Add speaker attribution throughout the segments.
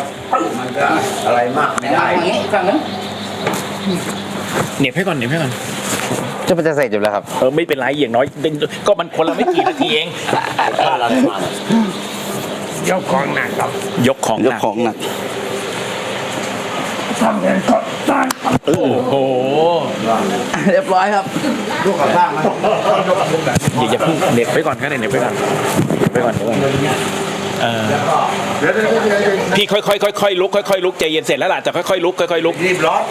Speaker 1: มันก็อะไรมากไม่ได้ฝั่งนั้น
Speaker 2: เหน็บให้ก่อนเหน็บให้ก่อน
Speaker 3: จะมันจะเสร็จอยู่แล้วครับ
Speaker 2: ไม่เป็นไรอย่างน้อยก็มันคนละไม่กี่นาทีเอง
Speaker 1: ยกของหนักครับ
Speaker 2: ยกของหนัก
Speaker 1: ทำเงินก็ได้
Speaker 2: โอ้โห
Speaker 3: เรียบร้อยครับ
Speaker 1: ลูกกับบ้างนะ
Speaker 2: อย่าเพิ่งเหน็บไปก่อนก็ได้เหน็บไปก่อนพี่ค่อยลุกค่อยลุกใจเย็นเสร็จแล้วล่ะจะค่อยลุกค่อยลุก
Speaker 1: รีบร้อน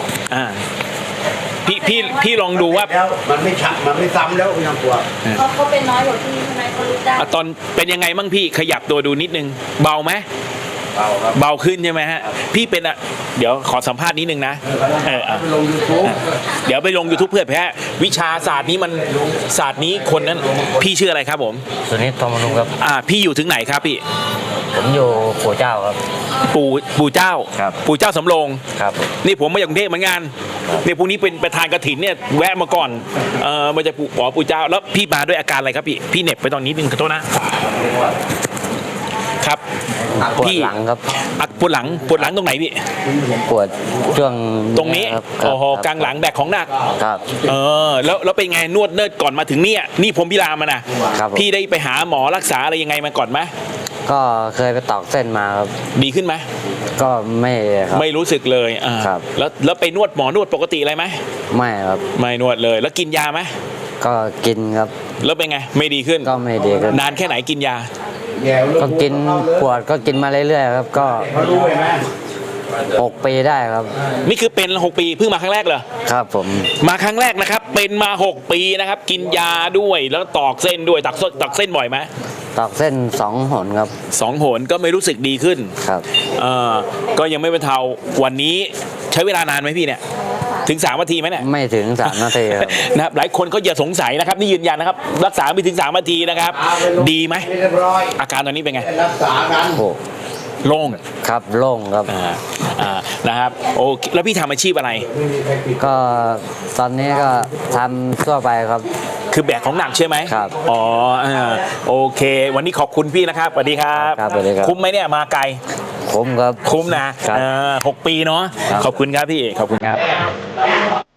Speaker 2: พี่ลองดูว่า
Speaker 1: มันไม่ชักมันไม่ซ้ำแล้วยังกลัว
Speaker 4: เขาเป็นน้อยกว่าพี่ใช่ไหมเขารู้ได้
Speaker 2: ตอนเป็นยังไงมั่งพี่ขยับตัวดูนิดนึงเบาไหมเบาขึ้นใช่ไหมฮะพี่เป็นเดี๋ยวขอสัมภาษณ์นิดนึงนะ
Speaker 1: ลง YouTube
Speaker 2: เดี๋ยวไปลง YouTube เพื่อแพ้วิชาศาสตร์นี้มันศาสตร์นี้คนนั้นพี่ชื่ออะไรครับผม
Speaker 3: สุนิททองมนุครับ
Speaker 2: พี่อยู่ถึงไหนครับพี่
Speaker 3: ผมอยู่ปู่เจ้าครับ
Speaker 2: ปู่เจ้า
Speaker 3: ครับ
Speaker 2: ปู่เจ้าสำโรง
Speaker 3: ครับ
Speaker 2: นี่ผมมาจากกรุงเทพเหมือนกันเนี่ยพรุ่งนี้เป็นประธานกฐินเนี่ยแวะมาก่อนมาจากปู่เจ้าแล้วพี่มาด้วยอาการอะไรครับพี่เหน็บไปตอนนี้นึงขอโทษนะครับ
Speaker 3: ปวดหลังครับ
Speaker 2: ปวดหลังตรงไหนพี่
Speaker 3: ปวดช่วง
Speaker 2: ตรงนี้โอ้โหกลางหลังแบกของหนัก
Speaker 3: ครับ
Speaker 2: แล้วเป็นไงนวดเนิร์ดก่อนมาถึงเนี่ยนี่ผมพิรามมานะพี่ได้ไปหาหมอรักษาอะไรยังไงมาก่อนไหม
Speaker 3: ก็เคยไปตอกเส้นมาครับ
Speaker 2: ดีขึ้นไหม
Speaker 3: ก็ไม่ครับ
Speaker 2: ไม่รู้สึกเลย
Speaker 3: ครับ
Speaker 2: แล้วไปนวดหมอนวดปกติอะไรไหม
Speaker 3: ไม่ครับ
Speaker 2: ไม่นวดเลยแล้วกินยาไหม
Speaker 3: ก็กินครับ
Speaker 2: แล้วเป็นไงไม่ดีขึ้น
Speaker 3: ก็ไม่ดีขึ้น
Speaker 2: นานแค่ไหนกินยา
Speaker 3: ก็กินปวดก็กินมาเรื่อยๆครับก็6 ปีได้ครับ
Speaker 2: นี่คือเป็น6 ปีเพิ่งมาครั้งแรกเหรอ
Speaker 3: ครับผม
Speaker 2: มาครั้งแรกนะครับเป็นมา6 ปีนะครับกินยาด้วยแล้วตอกเส้นด้วยตักเส้นบ่อยไหม
Speaker 3: ตอกเส้น2 หนครับ
Speaker 2: 2 หนก็ไม่รู้สึกดีขึ้น
Speaker 3: ครับ
Speaker 2: ก็ยังไม่บรรเทาวันนี้ใช้เวลานานไหมพี่เนี่ยถึง3 นาทีไหมเนี่ย
Speaker 3: ไม่ถึง3 นาทีครับ
Speaker 2: นะครับหลายคนเขาอย่าสงสัยนะครับนี่ยืนยันนะครับรักษาไม่ถึง3 นาทีนะครับดีไหมอาการตอนนี้เป็นไง
Speaker 1: รักษากัน
Speaker 2: โล่ง
Speaker 3: ครับโล่งครับ
Speaker 2: นะครับโอเคแล้วพี่ทำอาชีพอะไร
Speaker 3: ก็ตอนนี้ก็ทำทั่วไปครับ
Speaker 2: คือแบกของหนักใช่ไหม
Speaker 3: ครับ
Speaker 2: โอเควันนี้ขอบคุณพี่นะครับสวัสดีครับ
Speaker 3: สวัสดีครับ
Speaker 2: คุ้มไหมเนี่ยมาไกล
Speaker 3: คุ้มครับ
Speaker 2: คุ้มนะ6 ปีเนาะขอบคุณครับพี่ขอบคุณครับ